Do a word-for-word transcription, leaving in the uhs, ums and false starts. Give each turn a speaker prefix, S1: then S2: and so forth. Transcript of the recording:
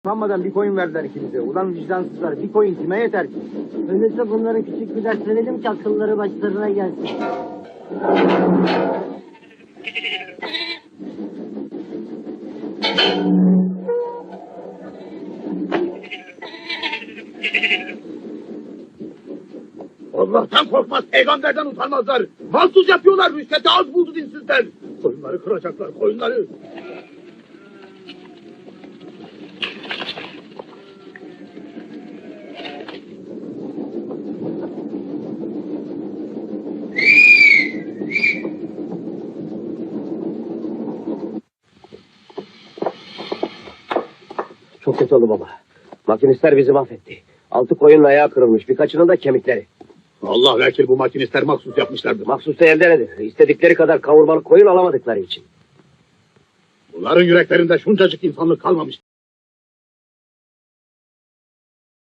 S1: Utanmadan bir koyun verdiler ikimize. Ulan vicdansızlar, bir koyun kime yeter ki?
S2: Öyleyse bunlara küçük bir ders verelim ki akılları başlarına gelsin.
S3: Allah'tan korkmaz, peygamberden utanmazlar. Mahsus yapıyorlar, rüşvete az buldu dinsizler. Koyunları kıracaklar, koyunları.
S4: Çok kötü oldu baba. Makinistler bizi mahvetti. Altı koyunun ayağı kırılmış. Birkaçının da kemikleri.
S3: Allah vekil bu makinistler mahsus yapmışlardır.
S4: Mahsus da elde nedir? İstedikleri kadar kavurmalık koyun alamadıkları için.
S3: Bunların yüreklerinde şuncacık insanlık kalmamış.